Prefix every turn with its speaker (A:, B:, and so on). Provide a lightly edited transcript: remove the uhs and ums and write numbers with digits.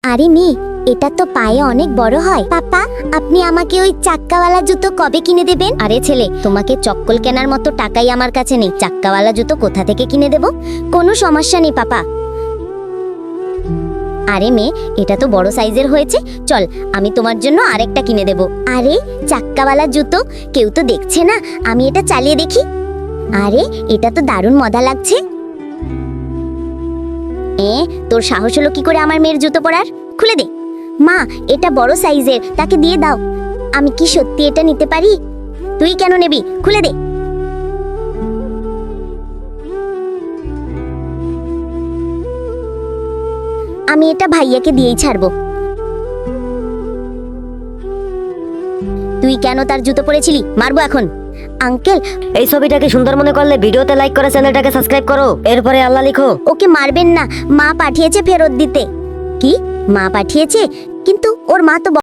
A: আরে মেয়ে, এটা তো পায়ে অনেক বড় হয়। পাপা, আপনি আমাকে ওই চাক্কাওয়ালা জুতো কবে কিনে দেবেন? আরে ছেলে, তোমাকে চক্কল কেনার মতো টাকাই আমার কাছে নেই, চাক্কাওয়ালা জুতো কোথা থেকে কিনে দেব? কোনো সমস্যা নেই পাপা। আরে মেয়ে, এটা তো বড় সাইজের হয়েছে, চল আমি তোমার জন্য আরেকটা কিনে দেব। আরে চাক্কাওয়ালা জুতো, কেউ তো দেখছে না, আমি এটা চালিয়ে দেখি। আরে এটা তো দারুণ মজা লাগছে। তোর সাহস হলো কি করে আমার মেয়ের জুতো পরার? খুলে দে। মা, এটা বড় সাইজের, তাকে দিয়ে দাও। আমি কি সত্যি এটা নিতে পারি? তুই কেন নেবি? খুলে দে। আমি এটা ভাইয়াকে দিয়েই ছাড়বো। তুই কেন তার জুতো পরেছিলি? মারবো এখন। আঙ্কেল,
B: এই ছবিটাকে সুন্দর মনে করলে ভিডিওতে লাইক করে চ্যানেলটাকে সাবস্ক্রাইব করো, এরপরে আল্লাহ লিখো।
A: ওকে মারবেন না, মা পাঠিয়েছে ফেরত দিতে। কি? মা পাঠিয়েছে? কিন্তু ওর মা তো